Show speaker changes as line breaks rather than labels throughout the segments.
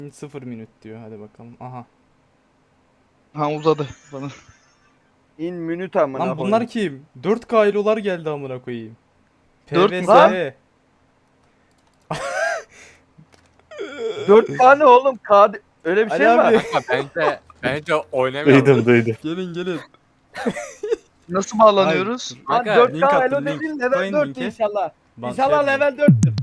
0 minut diyor. Hadi bakalım. Aha.
Ha uzadı bana.
İn minüt amına
Lan
koyayım.
bunlar kim? 4K elolar geldi amına koyayım.
Dört mü?
PVSE.
4 tane oğlum öyle bir
Ali
şey mi var?
abi.
Bence oynamıyorum.
Duydum.
Gelin gelin.
Nasıl bağlanıyoruz?
Lan
Kanka,
4K
link attım,
elo
link.
dedin level
Koyun
4
linki.
inşallah.
Bak,
İnşallah
şey
level 4'tür.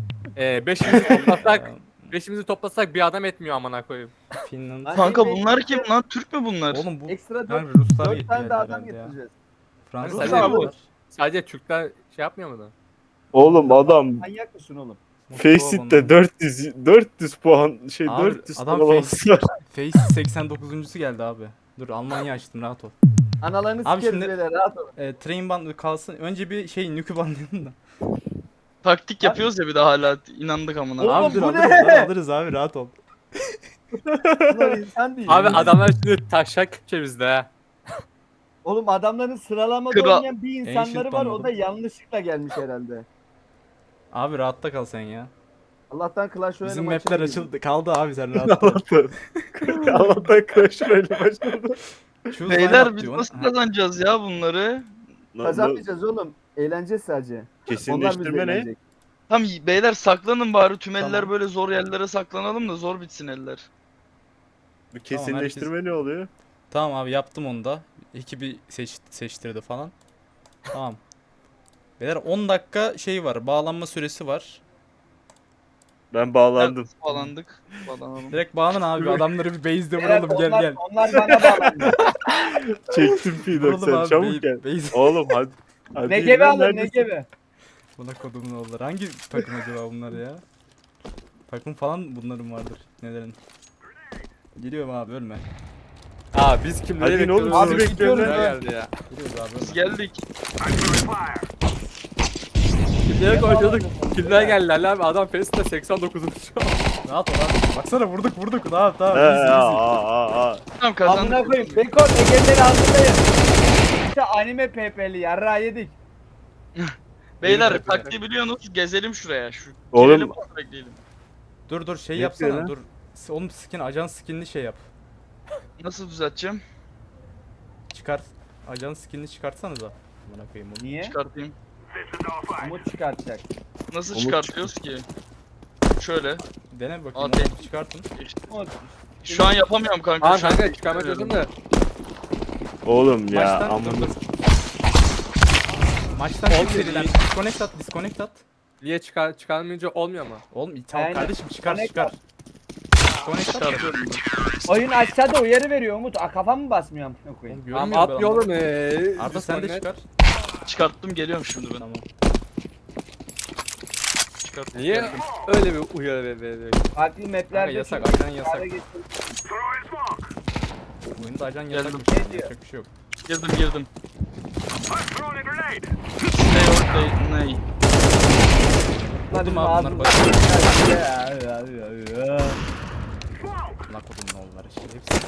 Beşimizi toplasak bir adam etmiyor amına koyayım.
Finland.
Lan
Kanka
şey
bunlar
bekliyor.
kim lan? Türk mü bunlar?
Oğlum bu
Ekstra
yani
4
Ruslar
4
geldi
tane de adam
herhalde ya.
getireceğiz.
Fransızlar
Sadece,
geliyorlar.
sadece Türkler şey yapmıyor mu da?
Oğlum adam
Manyak mısın oğlum?
Faceit 400 puan
Abi,
400
adam
sıralaması var.
Face 89'uncusu geldi abi. Dur Almanya açtım rahat ol.
Analarını
Abi
sikeriz
şimdi-
beyler rahat olun.
Train band kalsın. Önce bir şey nükü bandlayalım da.
Taktik yapıyoruz ya bir de hala inandık amına.
Oğlum,
Abi dur
bu
alırız,
ne?
dur, alırız abi rahat ol.
Bunlar insan değil.
Abi adamlar şimdi taşak Kürtçe bizde ha.
Oğlum adamların sıralamada
Kral.
oynayan bir insanları var o da
anladım.
yanlışlıkla gelmiş herhalde.
Abi rahatta kal sen ya.
Allah'tan Clash Royale
Bizim
maçına
mapler
girdim.
açıldı. Kaldı abi sen rahat ol.
Allah'tan Crash Royale başladı.
Choose
Beyler
lineup
biz
diyor.
nasıl
Ha,
kazanacağız ya bunları?
Kazanmayacağız oğlum. Eğleneceğiz sadece. Onlar bizi
Kesinleştirme ne?
eğlenecek.
Tam beyler saklanın bari tüm eller
Tamam.
böyle zor yerlere saklanalım da zor bitsin eller.
Bu kesinleştirme ne oluyor?
Tamam abi yaptım onu da. Ekibi seçtirdi falan. Tamam. Beyler 10 dakika şey var. Bağlanma süresi var.
Ben bağlandım.
Evet, bağlandık. Bağlanalım.
Direkt bağlan abi. Adamları bir base'de
Beyler,
vuralım gel
onlar,
gel.
Onlar bana bağlandı.
Çektim
Vuralım
P90
abi
çabuk gel.
base.
Oğlum hadi. Hadi
ne
yürü
gibi
lan,
alın ne
neredesin?
gibi.
Buna kodumun oğulları. Hangi takım acaba bunlar ya? Takım falan bunların vardır. Nelerin? Geliyorum abi ölme.
Aa biz kimleri
Hadi ne oğlum,
bekliyoruz?
sizi bekliyorum
Kimler
ya.
geldi ya.
Geliyoruz abi
Biz
ölme.
geldik.
Kimlere konuşuyorduk? Kimler geldi Ali abi? Adam Face'de 89.
Rahat ol abi. Baksana vurduk. Tamam
He,
tamam. Easy, easy.
Tamam
Amına
kazandık.
koyayım. Beko Ege'leri altındayım. İşte anime PP'li yarra yedik.
Beyler
Benim
taktiği biliyorsunuz gezelim şuraya.
Oğlum-
Girelim, bekleyelim.
Dur şey
Ne
yapsana
yapıyor lan?
dur. Oğlum skin ajan skinli şey yap.
Nasıl düzelteceğim?
Çıkart. Ajan skinli çıkartsanıza. Amına koyayım onu.
Niye?
Çıkartayım.
Umut çıkartacak.
Nasıl
Umut
çıkartıyoruz ki? Şöyle.
Dene bakayım.
Hadi.
Onu çıkartın.
Umut.
Şu an yapamıyorum kanka.
Aa
şu an
kanka çıkarma çözüm de.
Oğlum ya
Maçtan
amına.
dur. Maçtan çık seriden. Disconnect at.
Niye çıkarmayınca olmuyor mu?
Oğlum tamam
Aynen.
kardeşim çıkar.
Disconnect at.
Disconnect at.
Çıkartıyorum.
Oyun aşağıda uyarı veriyor Umut. Kafam mı basmıyor amına koyayım?
Oğlum
Tamam
görmüyorum
at
ben onu.
yolum
Arda sen de çıkar.
Çıkarttım geliyorum şimdi ben.
Tamam.
Çıkarttım.
Niye öyle bir uyarı veriyor?
Farklı
Kanka
maplerde
yasak,
çünkü
ajan yasak.
kâra getirdim.
Oyunda ajan
Geldim.
yasakmış.
Ne diyor?
Yapacak bir şey yok.
Girdim. Stay or stay. Ney?
Vurdum abi bunlar bak. Lan kodum ne oldular işte. Hepsi.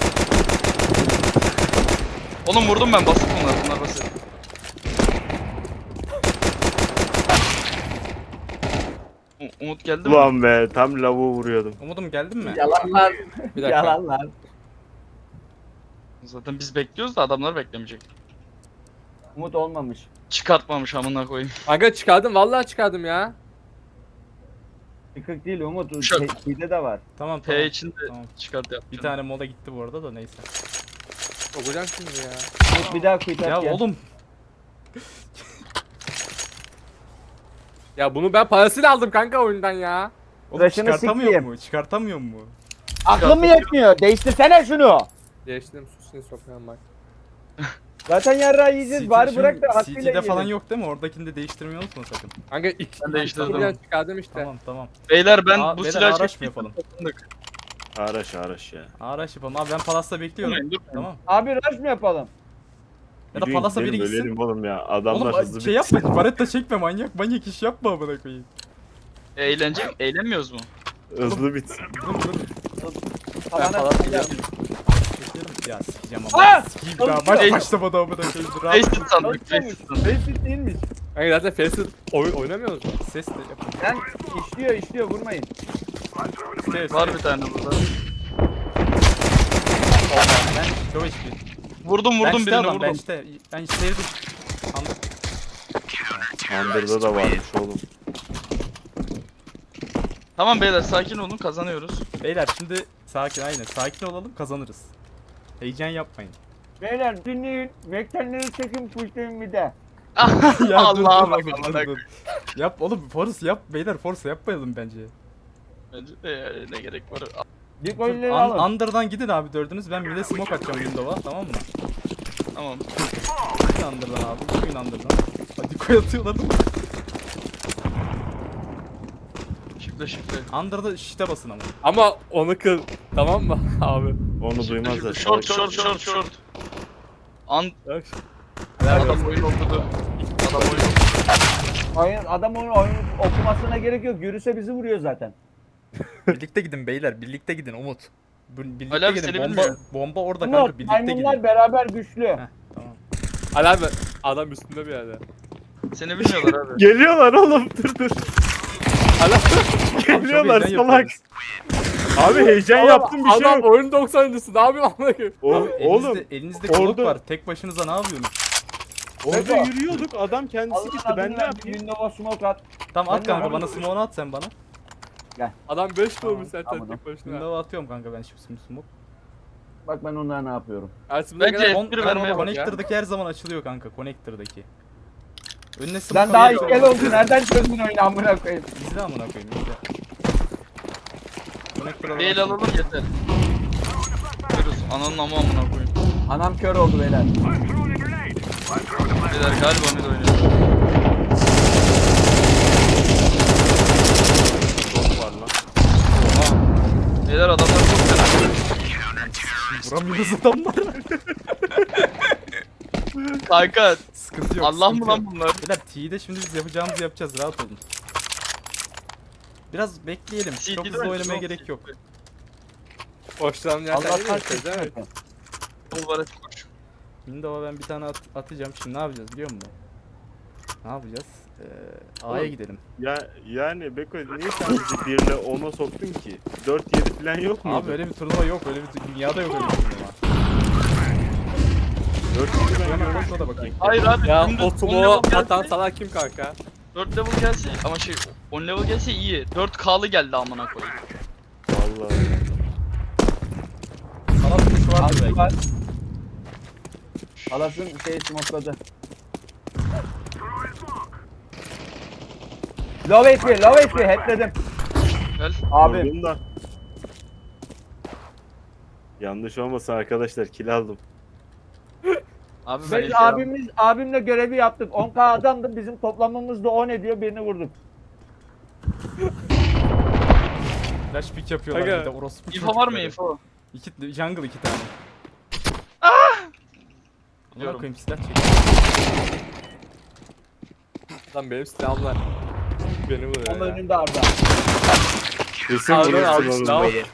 Oğlum vurdum ben basit bunlar basit. Umut geldi mi?
Ulan be tam lavuğu vuruyordum.
Umudum geldin mi?
Yalanlar.
Bir dakika.
Yalanlar.
Zaten biz bekliyoruz da adamlar beklemeyecek.
Umut olmamış.
Çıkartmamış amına koyayım.
Kanka çıkardım vallahi çıkardım ya.
Yıkık değil Umut.
Şak.
Şeyde de var.
Tamam
P
tamam.
için de
Tamam.
çıkart yap.
Bir tane moda gitti bu arada da neyse.
Okuyacağım şimdi ya.
Umut bir daha quit
Ya
at gel.
oğlum
Ya bunu ben parasıyla aldım kanka oyundan ya.
Oğlum
Tıraşını
çıkartamıyor
sikeyim.
mu? Çıkartamıyor mu?
Aklım mı yetmiyor? Değiştirsene şunu.
Değiştirdim susunu sokağım bak.
Zaten yarra yiyeceğiz.
CT
Bari
şimdi
bırak da hakkıyla
CT'de falan
yiyelim.
yok değil mi? Oradakini de değiştirmeyi unutma sakın.
Kanka iki
Ben değiştirdim.
birden çıkardım işte.
Tamam.
Beyler ben
Aa,
bu
beyler,
silahı
araç mı
çektim.
yapalım?
Araş ya.
Araç yapalım. Abi ben Palas'ta bekliyorum.
Durmayın.
Tamam.
Abi rush mı yapalım?
Ya da
Yürüyün,
Palas'a biri
gidelim,
gitsin.
ölelim oğlum ya. Adamlar
Oğlum
hızlı
şey yapma. Baretta çekme manyak iş yapma amına koyayım.
Eğlenmiyoruz mu?
Hızlı bitsin.
Dur.
Tavana
falan
bir
biliyorum.
Bekliyorum. Ya sikeceğim
Aa!
ama. Sikeyim daha maç
Çalışıyor.
başlamadı amına koyayım. Rahat.
Faceit sandık.
Çalışıyormuş.
Faceit sandık.
Basit değilmiş.
Kanka zaten Face'i oynamıyoruz mu?
Ses de yapın.
Lan işliyor vurmayın.
Ses.
Var bir tane burada.
Ben çok HP.
Vurdum
Bench'te
birini
adam,
vurdum.
bench'te. Ben sevdim.
Under'da da varmış oğlum.
Tamam beyler sakin olun kazanıyoruz.
Beyler şimdi sakin, aynen sakin olalım, kazanırız. Heyecan yapmayın.
Beyler dinleyin. Vektenleri çekin pushlayın bir de.
Allah'a bak
dur,
amına
dur. Yap oğlum, force yap beyler, force yapmayalım bence.
Bence de yani ne gerek var.
Dikoyları alın.
Under'dan gidin abi dördünüz, ben bir de smoke atacağım window'a, tamam mı?
Tamam.
Gidin Under'dan abi, gidin Under'dan. Hadi koy atıyorlar değil mi?
Şifre.
Under'da shift'e basın ama.
Ama onu kır. Tamam mı abi?
Onu duymazlar.
Short.
Bak.
Adam oyun okudu. Adam oyun okudu.
Adam onun oyun okumasına gerek yok. Yürüse bizi vuruyor zaten.
Birlikte gidin beyler, birlikte gidin Umut. Birlikte
Ali abi
gidin,
seni
bomba,
bilmiyorum.
bomba orada
Bunlar
kanka, birlikte
maymunlar
gidin.
beraber güçlü.
Heh, tamam.
Ali abi adam üstünde bir yerde.
Seni bilmiyorlar abi.
Geliyorlar oğlum dur.
Ali abi,
Geliyorlar
Çok heyecan
salak.
yapıyoruz.
Abi heyecan yaptım bir şey
adam
yok.
oyun 90'lısı. Ne yapıyor amına koyayım?
Oğlum
Elinizde klok
orada-
var, tek başınıza ne yapıyorsunuz?
orada
Beko.
yürüyorduk adam kendisi
Allah'ın
gitti
adını
ben ne
ver,
yapayım?
Windows'a smoke at.
Tamam at
Ben de
kanka,
abi-
bana smoke'unu at sen bana.
Adam 5 doğmuş zaten
tamam.
tek başına.
Window'a atıyorum kanka ben şimdi smoke.
Bak ben onlara ne yapıyorum.
Ersin
Bence-
kadar
Bir vermeye bak ya.
Connector'daki her zaman açılıyor kanka, Connector'daki. Önüne smoke
Sen daha
alıyor.
ilkel oldun. Nereden çözdün oyunu amına koyayım?
İzle amına koyayım, izle. Connector'a
Değil
bak.
alalım yeter. Görürüz. Ananın amına koyayım.
Anam kör oldu beyler.
Beyler galiba mid oynuyor.
Çok var lan.
Beyler adamlar çok fena.
Vuramıyoruz adamları.
Kanka
Sıkıntı yok.
Allah mı
sıkıntı
lan
yok.
bunlar?
Beyler T'yi de şimdi biz yapacağımızı yapacağız, rahat olun. Biraz bekleyelim. Çok
CT'de
hızlı
mi?
oynamaya
Çok
gerek yok.
Hoşlanan yerden
Allah
geliyor
kahretsin.
evet.
Bulvara koş.
Window'a ben bir tane atacağım. Şimdi ne yapacağız biliyor musun? Ne yapacağız? A'ya
Oğlum,
gidelim.
Yani Beko niye sen bizi 1 ile 10'a soktun ki? 4-7 falan yok mu?
Abi öyle bir turnuva yok, öyle bir dünyada yok öyle bir turnuva.
4-7 falan
Hemen
yok.
kontrola bakayım.
Hayır abi.
Ya
dümdüz
o
10
tumo
level
atan
gelse,
salak kim kanka?
4 level gelse ama 10 level gelse iyi. 4K'lı geldi amına koyayım.
Vallahi.
Sanat kuşu vardır
Altı
belki.
var. Alasın şeyi smokeladı. Low HP, headledim.
Gel.
Abi.
Vurdum da. Yanlış olmasın arkadaşlar kill aldım.
Abi ben
Biz abimle görevi yaptık. 10k adamdı. Bizim toplamımız da 10 ediyor. Birini vurduk.
Flash pick yapıyorlar
Aga.
bir de orospu
info var mı
çocukları.
info?
Jungle 2 tane. Amına
Biliyorum.
koyayım, silah çek.
Lan benim silahım var. Beni vuruyor
Onun
ya.
önünde Arda.
Kesin
Abi,
vurursun
abi,
oğlum
silah-
böyle.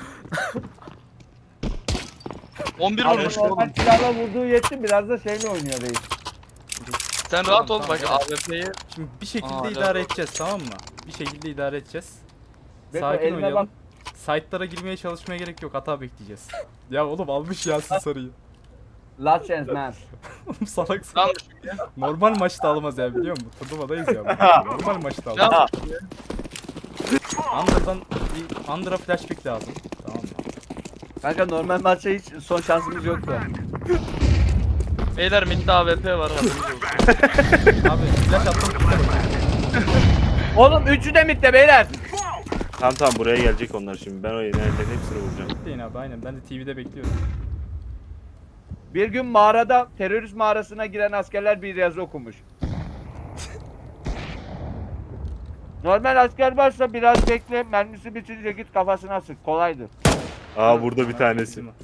11
Abi
vurmuş
normal
oğlum.
silahla vurduğu yetti. Biraz da şeyle oynuyor reis.
Sen rahat ol
Tamam,
bak
tamam.
AWP'yi.
Şimdi bir şekilde
Aa,
idare
yok.
edeceğiz, tamam mı? Bir şekilde idare edeceğiz.
Beko,
Sakin
eline
oynayalım.
bak.
Site'lara girmeye çalışmaya gerek yok, hata bekleyeceğiz. Ya oğlum almış Yasin sarıyı.
Last chance man.
Oğlum salak
Ne
salak.
yapmışım ya?
Normal maçta almaz ya, biliyor musun? Turnuvadayız ya. Normal maçta
Ne
almaz.
yapmışım ya?
Under'a flash pick lazım. Tamam mı?
Kanka normal maçta hiç son şansımız yoktu.
Beyler midde AWP var haberiniz olsun.
Abi flash attım.
Oğlum üçü de midde beyler.
Tamam buraya gelecek onlar şimdi. Ben o inerlerin hepsini vuracağım.
Bekleyin abi, aynen. Ben de TV'de bekliyorum.
Bir gün mağarada terörist mağarasına giren askerler bir yazı okumuş. Normal asker varsa biraz bekle, mermisi bitince git kafasına sık. Kolaydır.
Aa burada bir tanesi.
Değil mi?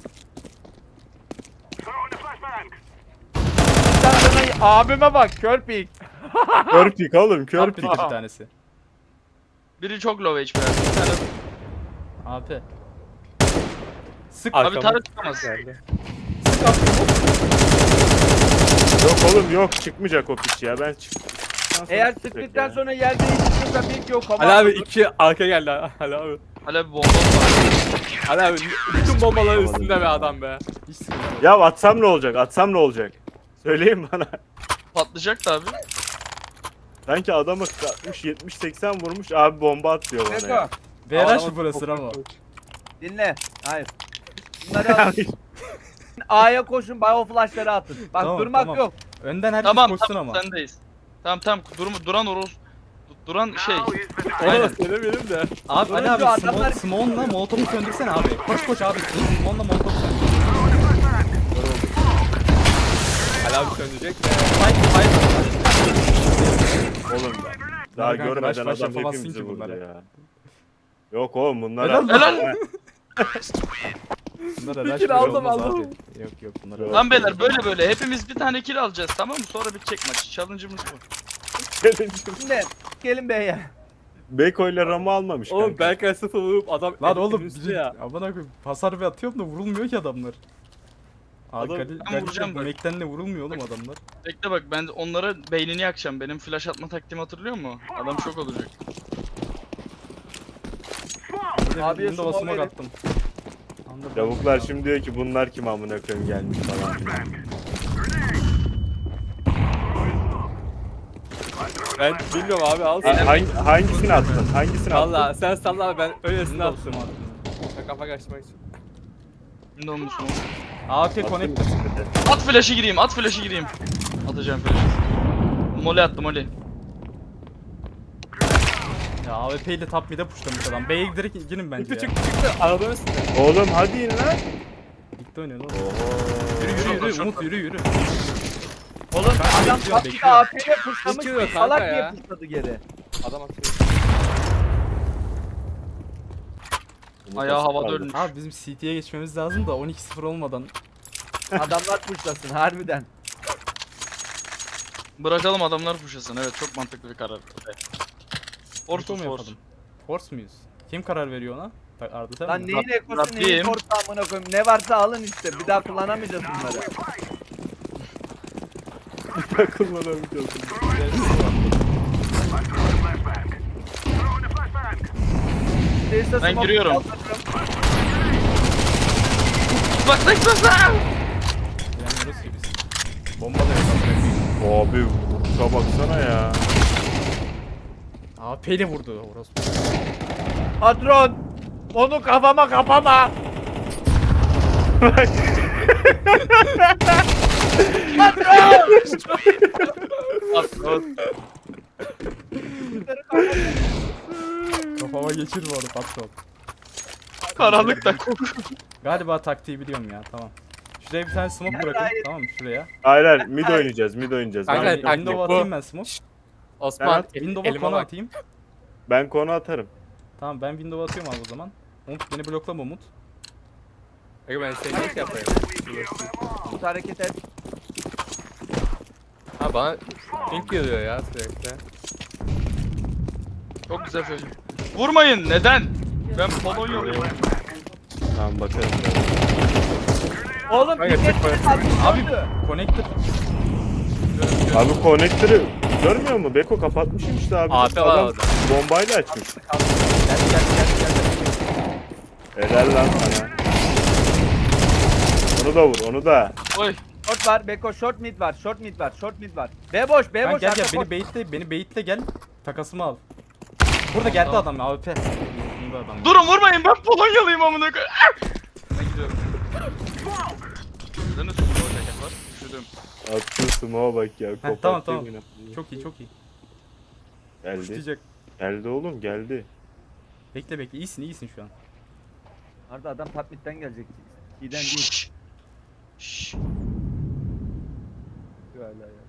Sen sana abime bak, kör pik.
Kör pik oğlum kör
Top
pik.
pick bir tanesi.
Biri çok low HP verdi. Bir tane
AP. Sık
abi
Arkama-
tarih tutamaz.
Yok oğlum yok çıkmayacak o piç ya ben çık.
Eğer sıktıktan sonra yer değiştirirse pik yok.
Ali abi 2 arka geldi Ali abi.
Hala bir bomba var.
Ali abi bütün bombaların üstünde be adam be.
Hiç sıkıntı yok.
Ya atsam ne olacak? Atsam ne olacak? Söyleyin bana.
Patlayacak da abi.
Sanki adamı 70-80 vurmuş abi bomba atıyor bana
Beko
ya.
BRH mı burası Ramo?
dinle. Hayır. Bunları alın. A'ya koşun, bio flashları atın. Bak
Tamam,
durmak
tamam.
yok.
Önden herkes
Tamam
koşsun
tamam
ama.
sendeyiz. Tamam duran Oros. Duran şey.
Onu da söylemeyelim de.
Abi Ali
Durunca
abi
adamlar-
Smoke'la Molotov'u söndürsene abi. Koş koş abi. Smoke'la Molotov'u söndür.
Ali abi söndürecek de.
Fight fight.
Oğlum daha
Kanka,
görmeden
rush
adam
yapamazsın
hepimizi
ki
vurdu
bunlara.
ya. Yok oğlum bunlar.
Helal
Helal.
Bunlara rush
kill
böyle
aldım,
olmaz
aldım.
abi. Yok bunlara.
Yok.
Lan beyler böyle hepimiz bir tane kill alacağız tamam mı? Sonra bitecek maç. Challenge'ımız bu.
Şimdi gelin B'ye.
Beko ile Ram'ı almamış
Oğlum
kanka.
Berkay sıfır vurup adam
Lan oğlum
üstü ya.
amına koyayım hasar bir atıyorum da vurulmuyor ki adamlar. Abi
Adam-
Ben vuracağım bak.
Mac'ten de vurulmuyor oğlum adamlar.
Bekle bak ben onlara beynini yakacağım. Benim flash atma taktiğimi hatırlıyor musun? Adam şok olacak.
Abi
Abiye
Windows'a
smoke
smoke
verin.
attım.
Lavuklar şimdi diyor ki bunlar kim amına koyayım gelmiş falan filan.
Ben bilmiyorum abi al sen.
Hangisini attın? Hangisini attın?
Valla sen salla abi ben öylesine
Windows'a
attım.
smoke attım.
Ben kafa kaçmak için.
Şimdi onun üstüne.
AFK
Attın
connect.
mı şimdi?
At flash'ı gireyim, at flash'ı gireyim. Atacağım flash'ı. Molly attım Molly.
Ya AWP ile top mid'e pushlamış adam. B'ye direkt girin bence
Çıktı
ya.
çıktı. Arabanın üstünde.
Oğlum hadi in lan.
Ligde oynuyor lan.
Oho.
Yürü Umut yürü.
Oğlum adam
bekliyorum,
tatlı
bekliyorum.
AP'yle pushlamış.
Bekliyor kanka
Salak
ya.
diye pushladı geri.
Adam atıyor.
Ayağı havada ölmüş.
Abi bizim CT'ye geçmemiz lazım da 12-0 olmadan.
Adamlar pushlasın harbiden.
Bırakalım adamlar pushlasın. Evet çok mantıklı bir karar.
Force
Orta
mu
force.
yapalım? Force muyuz? Kim karar veriyor ona? Arda sen
Lan
mi?
neyin ekosu neyin
Rabbim.
korku amına koyayım. Ne varsa alın işte. Bir daha kullanamayacağız bunları.
Kullanamayacağız.
Değilse
Ben
smoke
giriyorum.
kaldırırım.
Bak.
Bilemiyoruz ki biz. Bomba da yok.
Abi vuruşa baksana ya.
AWP ile vurdu orospu.
Patron. Onu kafama kapama.
Kafama geçir bu arada patron.
Karanlıkta.
Galiba taktiği biliyorum ya tamam. Şuraya bir tane smoke bırakın
Hayır.
tamam mı şuraya.
Hayır hayır mid oynayacağız mid oynayacağız.
Kanka,
Ben,
taktik
Window'a
bu.
atayım ben smoke.
Osman
Window'a
elime
konu
bak.
atayım.
ben konu atarım.
Tamam ben Window'a atıyorum abi o zaman. Umut beni bloklama Umut.
Kanka ben seni ne yapayım?
Tut hareket et.
Ha bana pink geliyor ya sürekli.
Çok güzel flash. Vurmayın neden? Ben Polonyalıyım.
Tamam bakarım.
Oğlum
Kanka,
bir
çıkma.
Abi connector.
Abi konektörü görmüyor musun? Beko kapatmışım işte abi.
Abi var
Adam
orada.
bombayla açmış.
Gel.
Helal lan sana. Onu da vur onu da.
Oy.
Short var. Beko short mid var. Short mid var. Short mid var. B boş. B
Ben
boş.
gel
arka
gel
boş.
beni baitle gel. Takasımı al. Burada geldi adam ya AWP. Burada adam.
Durun vurmayın ben Polonyalıyım amına koyayım. Ben gidiyorum. Sizde ne sürü ceket var? Üşüdüm.
Attın smoke'a bak ya.
tamam,
kopartıyor
tamam.
yine.
Çok iyi çok iyi.
Geldi.
Tutacak.
Geldi oğlum geldi.
Bekle iyisin şu an.
Arda adam top mid'den gelecek. İyiden değil.
Şşş.
Hala ya.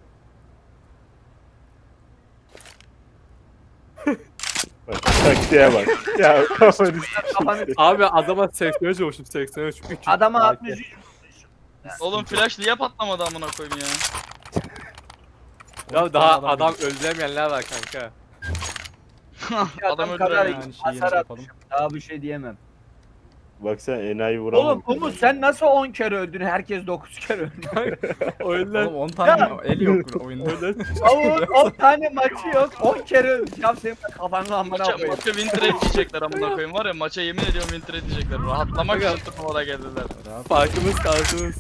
Bak taktiğe bak. Ya kafanı
Kafanı
Abi adama 83 vurmuşum 83 300.
adama 63.
Oğlum flash niye patlamadı amına koyayım ya?
Ya daha adam öldüremeyenler var kanka.
Adam
Adam kadar
öldüremeyen.
yani şeyi
hasar
yapalım.
atmışım. Daha bir şey diyemem.
Bak sen enayi vuramam.
Oğlum Umut sen nasıl 10 kere öldün? Herkes 9 kere öldü.
Oyunlar.
Oğlum 10 tane el yok oyunda.
Umut 10 tane maçı yok. 10 kere öldü. Ya senin kafanı amına
Maça
koyayım.
win trade diyecekler amına koyayım var ya, maça yemin ediyorum win trade diyecekler. Rahatlamak için turnuvada geldiler.
Farkımız tarzımız.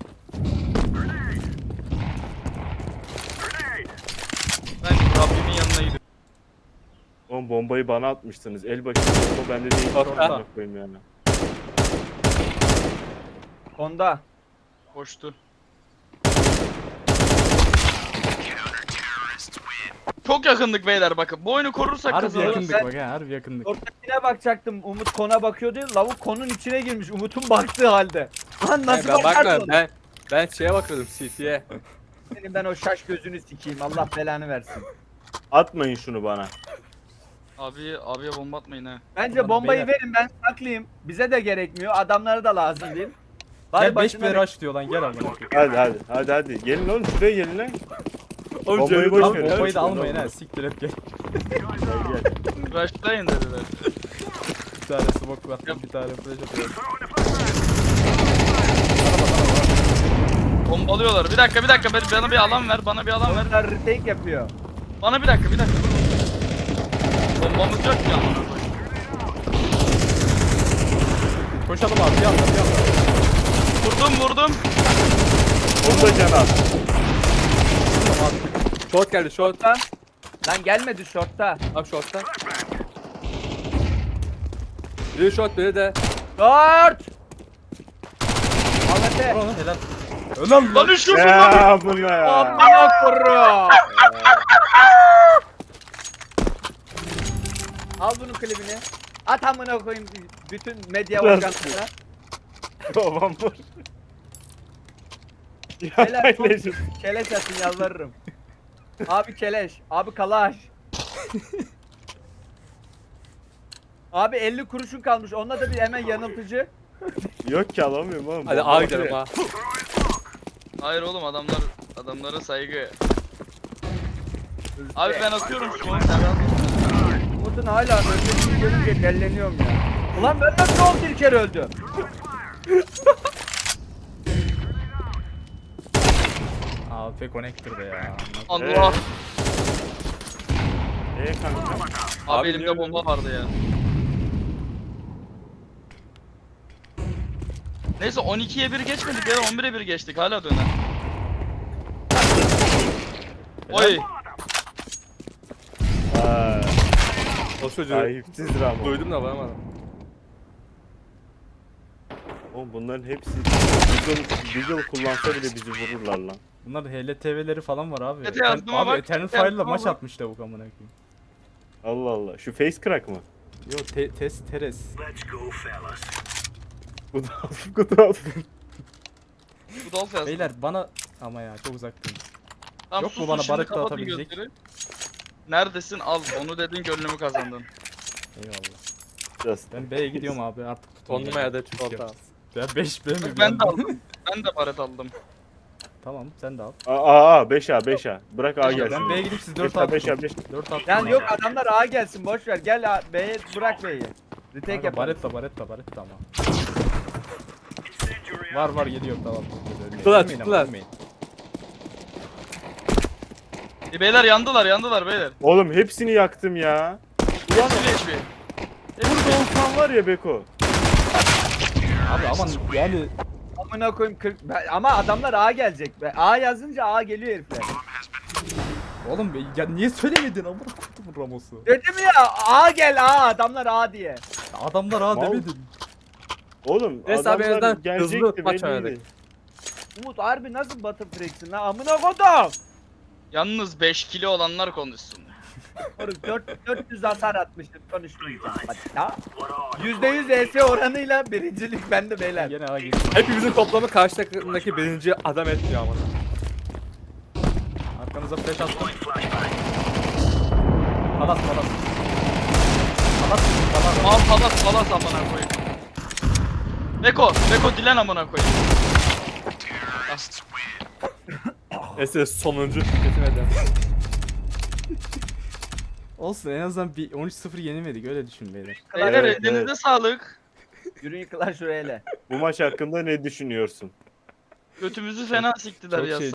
Ben Rabbimin yanına gidiyorum.
Oğlum bombayı bana atmıştınız. El bakayım bomba bende değil. Sonra koyayım yani.
Onda.
Koştu. Çok yakındık beyler bakın. Bu oyunu korursak
Harbi
kazanırız.
yakındık bak ha, harbi yakındık.
Ortakine bakacaktım. Umut kona bakıyor diye. Lavuk konun içine girmiş. Umut'un baktığı halde. Lan nasıl
Ben
bakarsın?
bakmıyorum. Ben şeye bakıyordum CT'ye.
Senin ben o şaş gözünü sikeyim. Allah belanı versin.
Atmayın şunu bana.
Abiye bomba atmayın ha.
Bence
Ulan
bombayı
beyler.
verin ben saklayayım. Bize de gerekmiyor. Adamlara da lazım değil.
Gel 5
başına
bir rush diyor lan, gel amına koyayım.
Hadi. Gelin oğlum şuraya gelin lan.
Oğlum
Bombayı
Cemil
boş
Lan
ver.
bombayı da almayın ha, siktir et gel.
Gel.
Rushlayın dediler.
Bir tane smoke var, bir tane flash atıyorum.
Bombalıyorlar. Bir dakika bana bir alan ver. Bana bir alan ver.
Onlar retake yapıyor.
Bana bir dakika. Bombamız yok ki amına koyayım.
Koşalım abi, bir anda.
Vurdum.
Onu da can al.
Short geldi short.
Lan gelmedi shortta.
Abi short'ta. Biri short biri de.
Short! Ahmet'e.
Vur onu, helal. Önem
Lan üşüyorsun lan.
Ya bu ne ya?
Amına koyayım. Al bunun klibini. At amına koyayım bütün medya organlarına.
Babam vur.
Beyler çok
Aileciğim.
keleş atın yalvarırım. Abi keleş. Abi kalaş. Abi 50 kuruşun kalmış. Onunla da bir hemen yanıltıcı.
Yok ki alamıyorum oğlum.
Hadi
Bomba
A
var
gidelim
ya.
ha.
Hayır oğlum adamlara saygı. Abi ben atıyorum şu an. Sen rahat ol.
Umut'un hala ölmesini görünce delleniyorum ya. Ulan ben nasıl 11 kere öldüm?
AP connector'da ya.
Allah.
Kanka.
Abi
Abi
elimde
niye
bomba vardı ya. Neyse 12'ye 1 geçmedik ya 11'e 1 geçtik hala döner. Oy.
Aa,
O çocuğu
sahipsiz Ramo.
duydum da varamadım.
Oğlum bunların hepsi Deagle kullansa bile bizi vururlar lan.
Bunlar HLTV'leri falan var abi.
Evet, yazdıma
Abi
bak,
Eternal
yazdıma
Fire'la maç
bak.
atmış lavuk amına koyayım.
Allah Allah. Şu face crack mı?
Yo Teres.
Kudaf.
Bu Dolph yazdı.
Beyler bana ama ya çok uzaktayım.
Tamam,
yok mu
susun
bana
şimdi,
barık
kapatın
dağıtabilecek?
gözleri. Neredesin? Al onu dedin gönlümü kazandın.
Eyvallah.
Just.
Ben B'ye gidiyorum abi artık tutun.
Tonlama ya da çikolata.
Ya 5 B mi?
Ben de aldım. Ben de baret aldım.
Tamam sen de al.
Aa 5A. Bırak A gelsin.
Ben B'ye gidip siz 4
5A
attım.
5A 5.
4 attım.
Yani
abi.
yok adamlar A gelsin boş ver. Gel B'ye bırak B'yi. Retake
Kanka,
yapalım.
baretta ama. Var geliyor tamam.
Çıktılar,
Ölmeyin ama,
çıktılar.
ölmeyin.
Beyler yandılar beyler.
Oğlum hepsini yaktım ya.
Ulan HP.
Burada olsan var ya Beko.
Abi aman yani
Amına koyayım 40. Ama adamlar A gelecek be. A yazınca A geliyor herifler.
oğlum ya niye söylemedin amına koydum Ramos'u.
Dedim ya A gel A adamlar A diye.
Adamlar ha
Mal.
demedin.
Oğlum
Neyse abi, en
adamlar
azından hızlı
gelecekti
maç
belliydi.
oynadık.
Umut harbi nasıl batı freksin lan amına kodum.
Yalnız 5 kilo olanlar konuşsun.
Moruk 400 hasar atmıştım konuşmayacağım. Hadi ya. %100 ES oranıyla birincilik bende beyler.
Gene A geliyor.
Hepimizin toplamı karşı takımdaki birinci adam etmiyor ama.
Arkanıza flash attım. Palas. Palas.
Al palas amına koyayım. Beko dilen amına koyayım.
Neyse sonuncu tüketimeden.
Olsun en azından bir 13-0 yenemedik öyle düşün beyler.
Beyler
Evet,
elinize
evet.
sağlık.
Yürüyün yıkılan şuraya hele.
Bu maç hakkında ne düşünüyorsun?
Götümüzü fena siktiler
Çok
ya.
şey